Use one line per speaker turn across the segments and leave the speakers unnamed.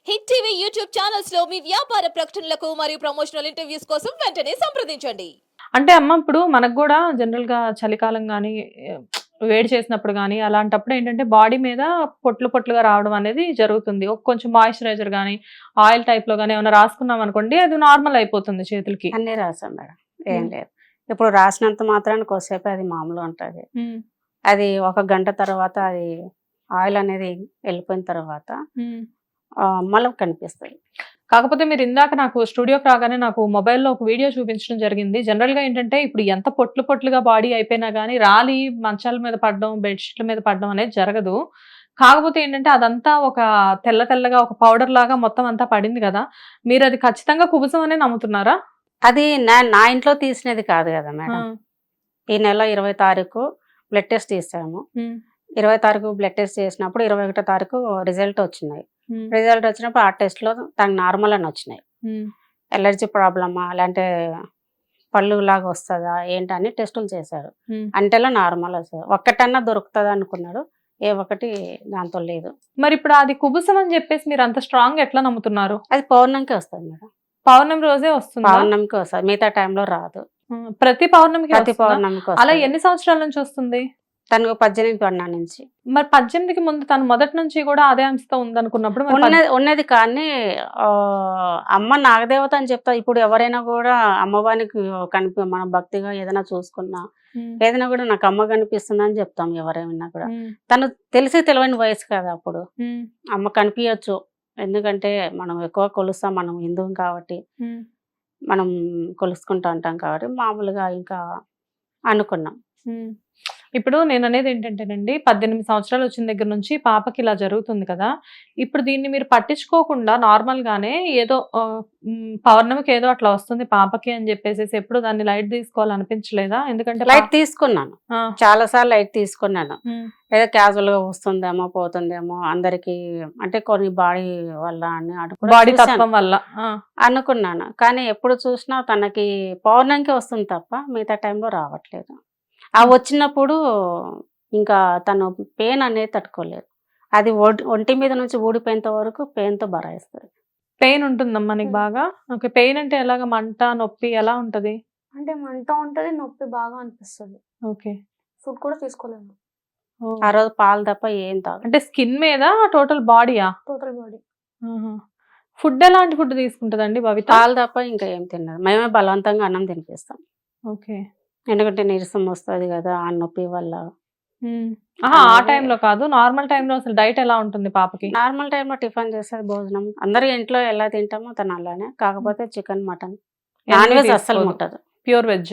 Hit TV YouTube channels లో మీ వ్యాపార ప్రకటనలకు మరియు ప్రమోషనల్ ఇంటర్వ్యూస్ కోసం వెంటనే సంప్రదించండి.
అంటే అమ్మ ఇప్పుడు మనకు కూడా జనరల్ గా చలికాలం గానీ వేడి చేసినప్పుడు గానీ అలాంటప్పుడు ఏంటంటే బాడీ మీద పొట్లు పొట్లుగా రావడం అనేది జరుగుతుంది. కొంచెం మాయిశ్చరైజర్ గానీ ఆయిల్ టైప్ లో గానీ ఏమైనా రాసుకున్నాం అనుకోండి అది నార్మల్ అయిపోతుంది చేతులకి.
అన్నీ రాసాం మేడం. ఏం లేదు. ఇప్పుడు రాసినంత మాత్రాన కొద్దిసేపు అది మామూలు ఉంటది. అది ఒక గంట తర్వాత అది ఆయిల్ అనేది వెళ్ళిపోయిన తర్వాత మళ్ళీ కనిపిస్తుంది.
కాకపోతే మీరు ఇందాక నాకు స్టూడియోకి రాగానే నాకు మొబైల్లో ఒక వీడియో చూపించడం జరిగింది. జనరల్ గా ఏంటంటే ఇప్పుడు ఎంత పొట్లు పొట్లుగా బాడీ అయిపోయినా గానీ రాలి మంచాల మీద పడడం బెడ్షీట్ల మీద పడడం అనేది జరగదు. కాకపోతే ఏంటంటే అదంతా ఒక తెల్ల తెల్లగా ఒక పౌడర్ లాగా మొత్తం అంతా పడింది కదా, మీరు అది ఖచ్చితంగా కుబుసం అనే నమ్ముతున్నారా?
అది నా ఇంట్లో తీసినది కాదు కదా మేడం. ఈ నెల 20 తారీఖు బ్లడ్ టెస్ట్ తీసాము. 20 తారీఖు బ్లడ్ టెస్ట్ చేసినప్పుడు 21 తారీఖు రిజల్ట్ వచ్చినాయి. రిజల్ట్ వచ్చినప్పుడు ఆ టెస్ట్ లో తనకు నార్మల్ అని వచ్చినాయి. ఎలర్జీ ప్రాబ్లమా లేదంటే పళ్ళు లాగా వస్తుందా ఏంటని టెస్టులు చేశారు. అంటేలో నార్మల్ వస్తుంది. ఒక్కటన్నా దొరుకుతుంది అనుకున్నాడు, ఏ ఒక్కటి దాంతో లేదు.
మరి ఇప్పుడు అది కుబుసం అని చెప్పేసి మీరు అంత స్ట్రాంగ్ ఎట్లా నమ్ముతున్నారు?
అది పౌర్ణమికి వస్తుంది మేడం.
పౌర్ణమి రోజే వస్తుంది?
పౌర్ణమికి వస్తుంది, మిగతా టైంలో రాదు.
ప్రతి పౌర్ణమికి?
ప్రతి పౌర్ణమికి.
అలా ఎన్ని సంవత్సరాల నుంచి వస్తుంది?
తనకు 18 పడినా నుంచి.
మరి 18కి ముందు తను మొదటి నుంచి కూడా అదే అంశతో ఉందనుకున్నప్పుడు
ఉన్నది కానీ అమ్మ నాగదేవత అని చెప్తా. ఇప్పుడు ఎవరైనా కూడా అమ్మవారికి మన భక్తిగా ఏదైనా చూసుకున్నా ఏదైనా కూడా నాకు అమ్మ కనిపిస్తుంది అని చెప్తాం ఎవరైనా కూడా. తను తెలియని వయసు కదా అప్పుడు. అమ్మ కనిపించచ్చు, ఎందుకంటే మనం ఎక్కువ కొలుస్తాం, మనం హిందువు కాబట్టి మనం కొలుసుకుంటూ ఉంటాం కాబట్టి మామూలుగా ఇంకా అనుకున్నాం.
ఇప్పుడు నేను అనేది ఏంటంటేనండి, 18 సంవత్సరాలు వచ్చిన దగ్గర నుంచి పాపకి ఇలా జరుగుతుంది కదా, ఇప్పుడు దీన్ని మీరు పట్టించుకోకుండా నార్మల్ గానే ఏదో పౌర్ణమికి ఏదో అట్లా వస్తుంది పాపకి అని చెప్పేసి ఎప్పుడు దాన్ని లైట్ తీసుకోవాలనిపించలేదా? ఎందుకంటే
లైట్ తీసుకున్నాను, చాలా సార్లు లైట్ తీసుకున్నాను. ఏదో క్యాజువల్ గా వస్తుందేమో పోతుందేమో అందరికి, అంటే కొన్ని బాడీ వల్ల అని
బాడీ తత్వం వల్ల
అనుకున్నాను. కానీ ఎప్పుడు చూసినా తనకి పౌర్ణమికి వస్తుంది తప్ప మిగతా టైంలో రావట్లేదు. ఆ వచ్చినప్పుడు ఇంకా తను పెయిన్ అనేది తట్టుకోలేదు. అది ఒంటి మీద నుంచి ఊడిపోయేంత వరకు పెయిన్ తో బరాయిస్తుంది.
పెయిన్ ఉంటుందమ్మా నీకు బాగా? ఓకే. పెయిన్ అంటే ఎలాగ? మంట, నొప్పి ఎలా ఉంటది?
అంటే మంట ఉంటది, నొప్పి బాగా అనిపిస్తుంది.
ఓకే.
ఫుడ్ కూడా తీసుకోలేము
ఆ రోజు, పాలు తప్ప ఏం తాగు.
అంటే స్కిన్ మీద టోటల్ బాడీయా?
Total body.
ఫుడ్ ఎలాంటి ఫుడ్ తీసుకుంటదండి భవిత?
పాలు తప్ప ఇంకా ఏం తిన్నది. మేమే బలవంతంగా అన్నం తినిపిస్తాం.
ఓకే.
ఎందుకంటే నీరసం వస్తుంది కదా ఆ నొప్పి వల్ల.
ఆ టైంలో కాదు, నార్మల్ టైంలో అసలు డైట్ ఎలా ఉంటుంది పాపకి?
నార్మల్ టైంలో టిఫిన్ చేసేది, భోజనం అందరూ ఇంట్లో ఎలా తింటామో తను అలానే. కాకపోతే చికెన్, మటన్, నాన్ వెజ్ అస్సలు ముట్టదు.
Pure veg.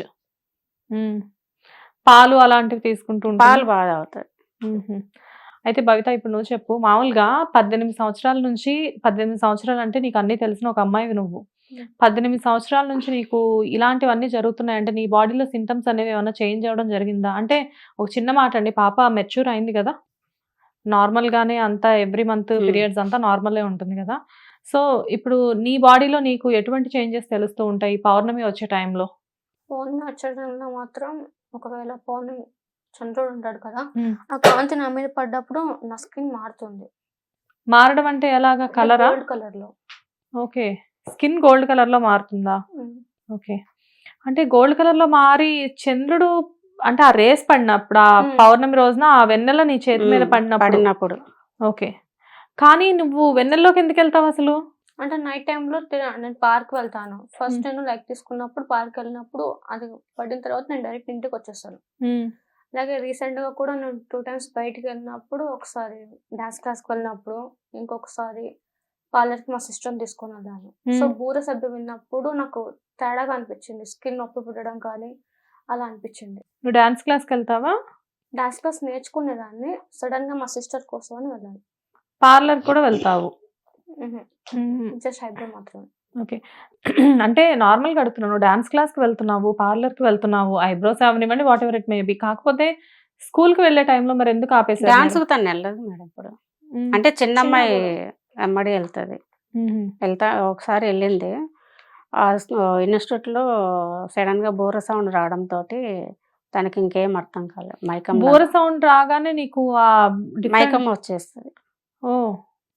పాలు అలాంటివి తీసుకుంటూ?
పాలు బాగా అవుతాయి.
అయితే భవిత ఇప్పుడు నువ్వు చెప్పు, మామూలుగా 18 సంవత్సరాల నుంచి, 18 సంవత్సరాలు అంటే నీకు అన్ని తెలిసిన ఒక అమ్మాయివి నువ్వు. 18 సంవత్సరాల నుంచి నీకు ఇలాంటివన్నీ జరుగుతున్నాయంటే నీ బాడీలో సింటమ్స్ అనేవి ఏమైనా చేంజ్ అవ్వడం జరిగిందా? అంటే ఒక చిన్న మాట అండి, పాప మెచ్యూర్ అయింది కదా, నార్మల్ గానే అంతా ఎవ్రీ మంత్ పీరియడ్స్ అంతా నార్మలే ఉంటుంది కదా. సో ఇప్పుడు నీ బాడీలో నీకు ఎటువంటి చేంజెస్ తెలుస్తూ ఉంటాయి పౌర్ణమి వచ్చే టైంలో?
పౌర్ణమి వచ్చే టైంలో మాత్రం, ఒకవేళ పౌర్ణమి చంద్రుడు ఉంటాడు కదా, ఆ కాంతి నా మీద పడ్డప్పుడు నా స్కిన్ మారుతుంది.
మారడం అంటే ఎలాగా? కలరా?
గోల్డ్ కలర్ లో.
ఓకే. స్కిన్ గోల్డ్ కలర్ లో మారుతుందా? ఓకే. అంటే గోల్డ్ కలర్ లో మారి చంద్రుడు అంటే ఆ రేస్ పడినప్పుడు, ఆ పౌర్ణమి రోజున ఆ వెన్నెల నీ చేతి మీద పడినప్పుడు. ఓకే. కానీ నువ్వు వెన్నెల్లోకి ఎందుకు వెళ్తావు అసలు?
అంటే నైట్ టైంలో నేను పార్క్ వెళ్తాను. ఫస్ట్ నేను లైక్ తీసుకున్నప్పుడు పార్క్ వెళ్ళినప్పుడు అది పడిన తర్వాత నేను డైరెక్ట్ ఇంటికి వచ్చేస్తాను. అలాగే రీసెంట్ గా కూడా నేను 2 times బయటికి వెళ్ళినప్పుడు, ఒకసారి డాన్స్ క్లాస్కి వెళ్ళినప్పుడు, ఇంకొకసారి పార్లర్కి మా సిస్టర్ తీసుకొని వెళ్ళాను. సో బూర సబ్బు విన్నప్పుడు నాకు తేడాగా అనిపించింది, స్కిన్ నొప్పి పుట్టడం కానీ అలా అనిపించింది.
నువ్వు డాన్స్ క్లాస్కి వెళ్తావా?
డాన్స్ క్లాస్ నేర్చుకునేదాన్ని, సడన్ గా మా సిస్టర్ కోసం అని వెళ్ళాను.
పార్లర్ కూడా వెళ్తావు?
జస్ట్ ఐబ్రో మాత్రమే.
ఓకే. అంటే నార్మల్గా అడుగుతున్నాను, డాన్స్ క్లాస్కి వెళ్తున్నావు, పార్లర్కి వెళ్తున్నావు, ఐబ్రోస్ అవనివ్వండి, whatever it may be, కాకపోతే స్కూల్కి వెళ్ళే టైంలో మరి ఎందుకు ఆపేసారు?
డాన్స్ తను వెళ్ళదు మేడం ఇప్పుడు. అంటే చిన్న అమ్మాయి వెంబడి వెళ్తుంది. ఒకసారి వెళ్ళింది ఇన్స్టిట్యూట్ లో, సడన్ గా బోర సౌండ్ రావడంతో తనకి ఇంకేం అర్థం కాలేదు. మైకం,
బోర సౌండ్ రాగానే నీకు
మైకం వచ్చేస్తుంది.
ఓ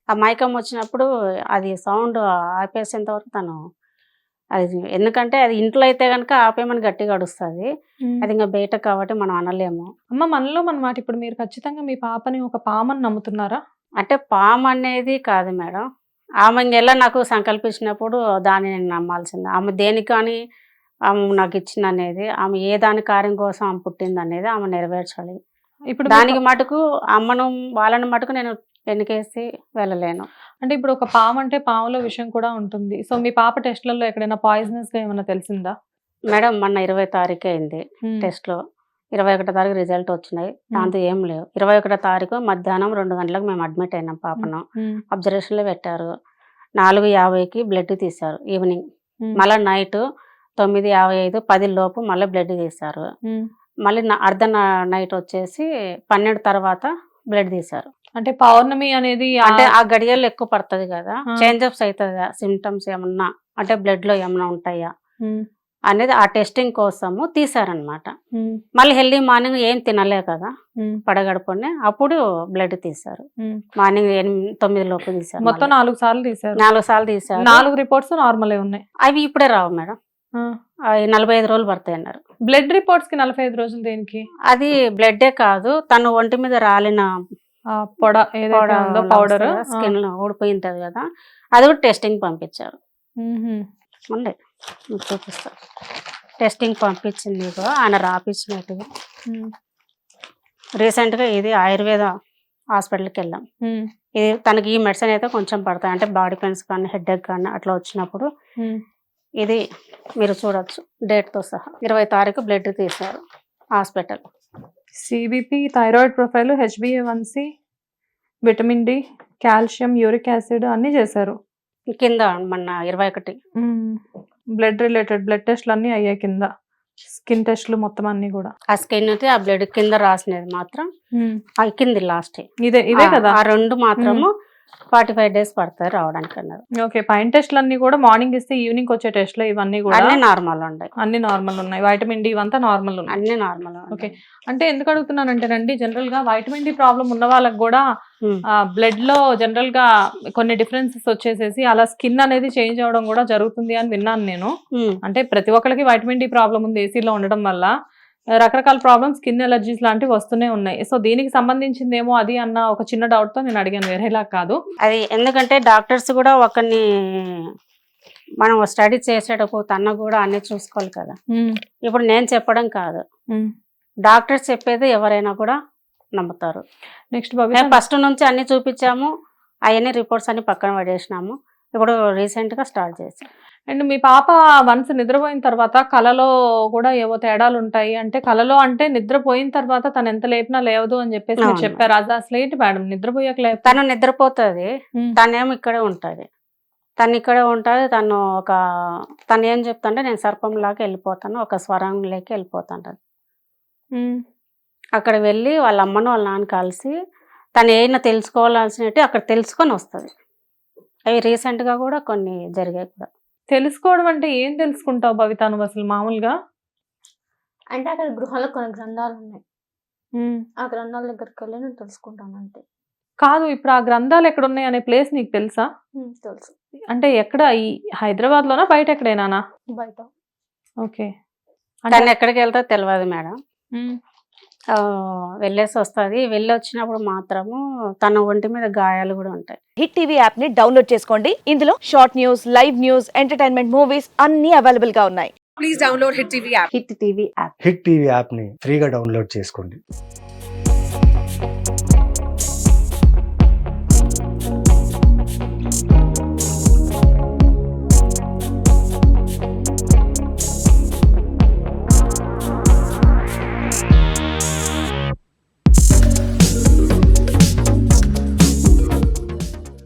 ఆ మైకం వచ్చినప్పుడు అది సౌండ్ ఆపేసేంత వరకు తను అది, ఎందుకంటే అది ఇంట్లో అయితే కనుక ఆపేమని గట్టిగా అడుస్తుంది, అది ఇంకా బయట కాబట్టి మనం అనలేము.
అమ్మ మనలో మన మాట, ఇప్పుడు మీరు ఖచ్చితంగా మీ పాపని ఒక పామని నమ్ముతున్నారా?
అంటే పాము అనేది కాదు మేడం, ఆమె ఇంకెలా నాకు సంకల్పించినప్పుడు దాన్ని నేను నమ్మాల్సిందే. ఆమె దేనికి కానీ ఆమె నాకు ఇచ్చింది అనేది, ఆమె ఏ దాని కార్యం కోసం ఆమె పుట్టింది అనేది ఆమె నెరవేర్చాలి.
ఇప్పుడు
దానికి మటుకు అమ్మను వాళ్ళని మటుకు నేను వెనకేసి వెళ్ళలేను.
అంటే ఇప్పుడు ఒక పాము అంటే పాములో విషయం కూడా ఉంటుంది. సో మీ పాప టెస్ట్లలో ఎక్కడైనా పాయిజనస్ గా ఏమైనా తెలిసిందా?
మేడం మొన్న 20 తారీఖు అయింది టెస్ట్లో, 21 తారీఖు రిజల్ట్ వచ్చినాయి, దాంతో ఏం లేవు. 21 తారీఖు మధ్యాహ్నం 2 గంటలకు మేము అడ్మిట్ అయినాం, పాపను అబ్జర్వేషన్లో పెట్టారు. 4:50కి బ్లడ్ తీశారు ఈవినింగ్, మళ్ళీ నైట్ 9:55 10 లోపు మళ్ళీ బ్లడ్ తీశారు. మళ్ళీ అర్ధ నైట్ వచ్చేసి 12 తర్వాత బ్లడ్ తీశారు.
అంటే పౌర్ణమి అనేది
అంటే ఆ గడియల్లో ఎక్కువ పడుతుంది కదా, చేంజప్స్ అవుతుంది సిమ్టమ్స్ ఏమన్నా, అంటే బ్లడ్ లో ఏమన్నా ఉంటాయా అనేది ఆ టెస్టింగ్ కోసము తీసారనమాట. మళ్ళీ హెల్దీ మార్నింగ్ ఏం తినలే కదా పడగడుపునే, అప్పుడు బ్లడ్ తీశారు. మార్నింగ్ 9 లోపు తీశారు.
మొత్తం 4 సార్లు తీశారు.
4 సార్లు తీశారు.
4 రిపోర్ట్స్ నార్మల్ ఉన్నాయి.
అవి ఇప్పుడే రావు మేడం, 45 రోజులు పడతాయి అన్నారు.
బ్లడ్ రిపోర్ట్స్ కి 45 రోజులు దేనికి?
అది బ్లడ్డే కాదు, తను ఒంటి మీద రాలిన
పొడ పౌడర్
స్కిన్ లో ఊడిపోయి ఉంటది కదా, అది కూడా టెస్టింగ్ పంపించారు. ఉండే చూపిస్తా, టెస్టింగ్ పంపించింది ఇగో, ఆయన రాపించినట్టుగా. రీసెంట్ గా ఇది ఆయుర్వేద హాస్పిటల్కి వెళ్ళాం. ఇది తనకి ఈ మెడిసిన్ అయితే కొంచెం పడతాయి, అంటే బాడీ పెయిన్స్ కానీ హెడ్ ఎక్ కానీ అట్లా వచ్చినప్పుడు. ఇది మీరు చూడొచ్చు డేట్ తో సహా, 20 తారీఖు బ్లడ్ తీశారు hospital.
CBP, thyroid profile, HbA1c, vitamin D, calcium, uric acid అన్ని చేశారు.
కింద మొన్న 21
బ్లడ్ రిలేటెడ్ బ్లడ్ టెస్ట్లు అన్ని అయ్యాయి కింద, స్కిన్ టెస్ట్లు మొత్తం అన్ని కూడా.
ఆ స్కిన్ అయితే ఆ బ్లడ్ కింద రాసినది మాత్రం కింది లాస్ట్
ఇదే కదా,
ఆ 2 మాత్రము 45 డేస్ పడతాయి రావడానికి అన్నారు.
ఓకే, పైన టెస్ట్లు అన్ని కూడా మార్నింగ్ ఇస్తే ఈవినింగ్ వచ్చే టెస్ట్లు ఇవన్నీ కూడా
అన్ని నార్మల్ ఉన్నాయి.
అన్ని నార్మల్ ఉన్నాయి. వైటమిన్ డి ఇవంతా నార్మల్ ఉన్నాయి,
అన్ని నార్మల్.
ఓకే. అంటే ఎందుకు అడుగుతున్నానంటేనండి, జనరల్ గా వైటమిన్ డి ప్రాబ్లం ఉన్న వాళ్ళకి కూడా బ్లడ్ లో జనరల్ గా కొన్ని డిఫరెన్సెస్ వచ్చేసేసి అలా స్కిన్ అనేది చేంజ్ అవడం కూడా జరుగుతుంది అని విన్నాను నేను. అంటే ప్రతి ఒక్కరికి వైటమిన్ డి ప్రాబ్లం ఉంది ఏసీలో ఉండడం వల్ల, రకరకాల ప్రాబ్లమ్స్, స్కిన్ ఎలర్జీస్ లాంటివి వస్తూనే ఉన్నాయి. సో దీనికి సంబంధించిందేమో అది అన్న ఒక చిన్న డౌట్ తో నేను అడిగాను, వేరేలా కాదు.
అది ఎందుకంటే డాక్టర్స్ కూడా ఒకరిని మనం స్టడీ చేసేటప్పుడు తన కూడా అన్ని చూసుకోవాలి కదా. ఇప్పుడు నేను చెప్పడం కాదు, డాక్టర్స్ చెప్పేది ఎవరైనా కూడా నమ్ముతారు.
నెక్స్ట్
ఫస్ట్ నుంచి అన్ని చూపించాము, అవన్నీ రిపోర్ట్స్ అన్ని పక్కన పడేసినాము. ఇప్పుడు రీసెంట్ గా స్టార్ట్ చేసాం.
అండ్ మీ పాప వన్స్ నిద్రపోయిన తర్వాత కలలో కూడా ఏవో తేడాలు ఉంటాయి, అంటే కలలో అంటే నిద్రపోయిన తర్వాత తను ఎంత లేపినా లేవదు అని చెప్పేసి మీరు చెప్పారు. అది అసలు ఏంటి మేడం, నిద్రపోయాక లేపు?
తను నిద్రపోతుంది, తనేమో ఇక్కడే ఉంటుంది, తను ఇక్కడే ఉంటుంది. తను ఏం చెప్తుంటే నేను సర్పంలాగా వెళ్ళిపోతాను, ఒక స్వరంలోకి వెళ్ళిపోతాను. అక్కడ వెళ్ళి వాళ్ళ అమ్మను వాళ్ళ నాన్న కలిసి తను ఏమైనా తెలుసుకోవాల్సినట్టు అక్కడ తెలుసుకొని వస్తుంది. అవి రీసెంట్ గా కూడా కొన్ని జరిగాయి కూడా.
తెలుసుకోవడం అంటే ఏం తెలుసుకుంటావు భవిత నువ్వు అసలు మామూలుగా?
అంటే అక్కడ గృహంలో కొన్ని గ్రంథాలు ఉన్నాయి, ఆ గ్రంథాల దగ్గరికి వెళ్ళి నేను తెలుసుకుంటాను అంతే.
కాదు, ఇప్పుడు ఆ గ్రంథాలు ఎక్కడ ఉన్నాయి అనే ప్లేస్ నీకు తెలుసా?
తెలుసు.
అంటే ఎక్కడ, ఈ హైదరాబాద్ లోనా బయట ఎక్కడైనా?
బయట.
ఓకే.
తను ఎక్కడికి వెళ్తా తెలియదు మేడం, వెళ్ళేసి వస్తుంది. వెళ్ళి వచ్చినప్పుడు మాత్రము తన ఒంటి మీద గాయాలు కూడా ఉంటాయి.
హిట్ టీవీ యాప్ ని డౌన్లోడ్ చేసుకోండి. ఇందులో short news, live news, entertainment movies అన్ని అవైలబుల్ గా ఉన్నాయి. Please download hit TV app.
Hit TV app
hit TV app ని ఫ్రీగా డౌన్లోడ్ చేసుకోండి.